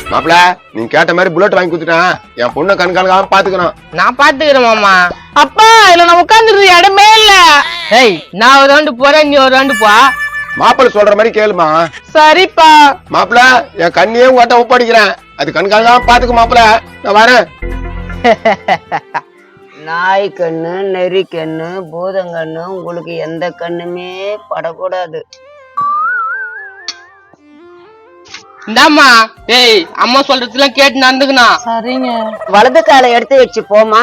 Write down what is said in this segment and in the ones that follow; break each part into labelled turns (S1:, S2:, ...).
S1: மாப்பிள நீங்க கேட்ட மாதிரி புல்லட் வாங்கி கொடுத்துட்டேன். என் பொண்ணை கண்காணிக்காம பாத்துக்கணும்.
S2: நான் பாத்துக்கிறேன் மாமா.
S3: அப்பா இதுல நான் உட்காந்துருது இடமே இல்ல.
S2: ஏய் நான் ஒரு ரவுண்டு போறேன், நீ ஒரு ரவுண்டு போ.
S1: மாப்பிள சொல்ற மாதிரி கேளுமா.
S3: சரிப்பா.
S1: மாப்பிள என் கண்ணியே உங்கள்கிட்ட ஒப்படைக்கிறேன். அது கண்காணிக்காம பாத்துக்க மாப்பிள. நான் வரேன்.
S4: நாய் கண்ணு, நெறி கண்ணு, பூதங்கண்ணு உங்களுக்கு எந்த கண்ணுமே படக்கூடாது.
S2: இந்தாம்மா. ஏய் அம்மா சொல்றதுலாம் கேட்டு நடந்துக்கணும்.
S3: சரிங்க.
S4: வலது காலை எடுத்து வச்சு போமா.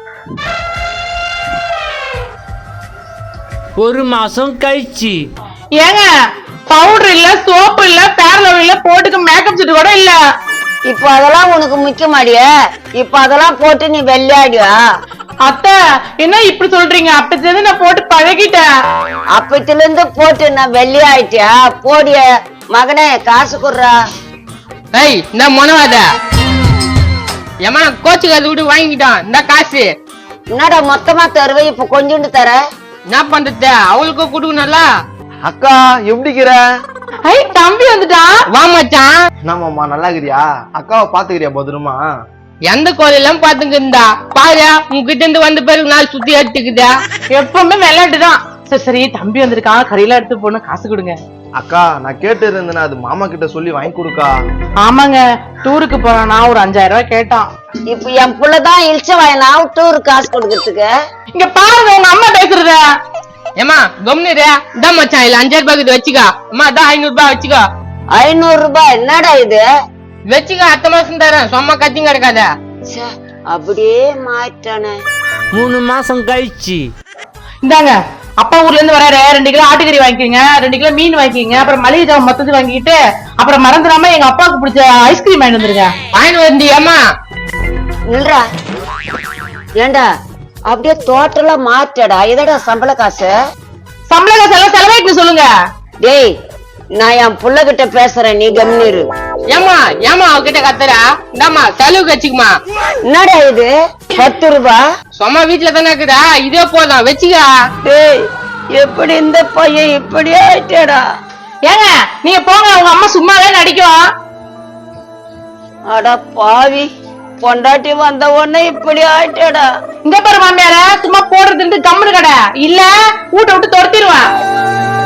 S5: ஒரு மாசம் கழிச்சு.
S3: ஏங்க பவுடர் இல்ல, சோப்பு இல்ல, பேரலவ் இல்ல, போட்டுக்க மேக்கப் செட் கூட இல்ல.
S4: இப்ப அதெல்லாம் உனக்கு முக்கிய மாடிய. இப்ப அதெல்லாம் போட்டு நீ வெள்ளையாடியா?
S3: அத்தை என்ன இப்படி சொல்றீங்க? அப்பத்துல நான் போட்டு பழகிட்டேன்.
S4: அப்பத்துல இருந்து போட்டு நான் வெள்ளையாயிட்டியா? போடிய மகனே காசு குடுறா.
S2: ஏய் இந்த மொனவாத ஏமா கோச்சுக்காது விட்டு வாங்கிக்கிட்டான். இந்த காசு
S4: என்னடா மொத்தமா தருவே? இப்ப கொஞ்சோண்டு தர.
S2: என்ன பண்றது, அவளுக்கு கொடுக்கணும்ல.
S6: அக்கா எப்படிக்கிற?
S3: ஐ தம்பி வந்துட்டான்.
S2: வா மச்சான்.
S6: என்னமாம்மா நல்லா இருக்கிறியா? அக்காவை பாத்துக்கிறியா பத்திரமா?
S2: எந்த கோயிலெல்லாம் பாத்துங்க இருந்தா பாரு, உங்ககிட்ட இருந்து வந்த பிறகு நாள் சுத்தி எடுத்துக்குதா.
S3: எப்பவுமே விளையாட்டுதான். சரி சரி தம்பி வந்திருக்கான், கடையில எடுத்து போன காசு கொடுங்க.
S6: அக்கா நான் கேட்டு இருந்தேன்னா அது மாமா கிட்ட சொல்லி வாங்கி கொடுக்கா.
S3: ஆமாங்க டூருக்கு போறானா, ஒரு 5000 ரூபாய் கேட்டான்.
S4: இப்ப என் புள்ளதான் இழிச்ச வாயினா டூர் காசு கொடுக்கறதுக்கு.
S3: இங்க பாருங்க உங்க அம்மா பேசுறத.
S2: ஏமா கம்னிரு. இதான் மச்சான் இல்ல 5000 ரூபாய்க்கு வச்சுக்கா. அம்மா அதான் 500 ரூபாய் வச்சுக்கோ.
S4: 500 ரூபாய் என்னடா இது?
S2: வச்சுக்க, அடுத்த மாசம் தரேன். சும்மா கத்தியும் கிடக்காத.
S4: அப்படியே மாட்டானே.
S5: 3 மாசம் கழிச்சு.
S3: இந்தாங்க அப்பா ஊர்ல இருந்து வராரு. 2 கிலோ ஆட்டுக்கறி வாங்கிக்கோங்க, 2 கிலோ மீன் வாங்கிக்கோங்க, அப்புறம் மளிகை ஜாமான் மொத்தத்து வாங்கிட்டு அப்புறம் மறந்துடாம எங்க அப்பாவுக்கு பிடிச்ச ஐஸ்கிரீம் வாங்கிட்டு வந்துருங்க.
S2: வாங்கிட்டு வந்தியாமா?
S4: இல்லடா ஏண்டா அப்படியே டோட்டலா மாற்றடா. இதடா சம்பள காசு.
S3: சம்பள காசு எல்லாம் செலவாயிட்டு சொல்லுங்க.
S4: டேய் நான் என் புள்ள கிட்ட பேசுறேன், நீ கம்னிரு.
S2: ஏமா ஏமா அவகிட்ட கத்துறா? இந்தாமா செலவுக்கு வச்சுக்குமா.
S4: என்னடா இது 10 ரூபாய்?
S2: சும்மா வீட்டுல தானே இருக்குதா, இதே போதும் வச்சுக்கா.
S4: டேய் எப்படி இந்த பையன் இப்படி ஆயிட்டேடா?
S3: ஏங்க நீங்க போங்க, உங்க அம்மா சும்மாவே நடிக்கும்.
S4: அட பாவி, பொண்டாட்டி வந்த உடனே இப்படி ஆயிட்டேடா.
S3: இங்க பாரு மாமியார, சும்மா போடுறதுன்னு கம்முனு கடை இல்ல வீட்டை விட்டு துரத்திடுவேன்.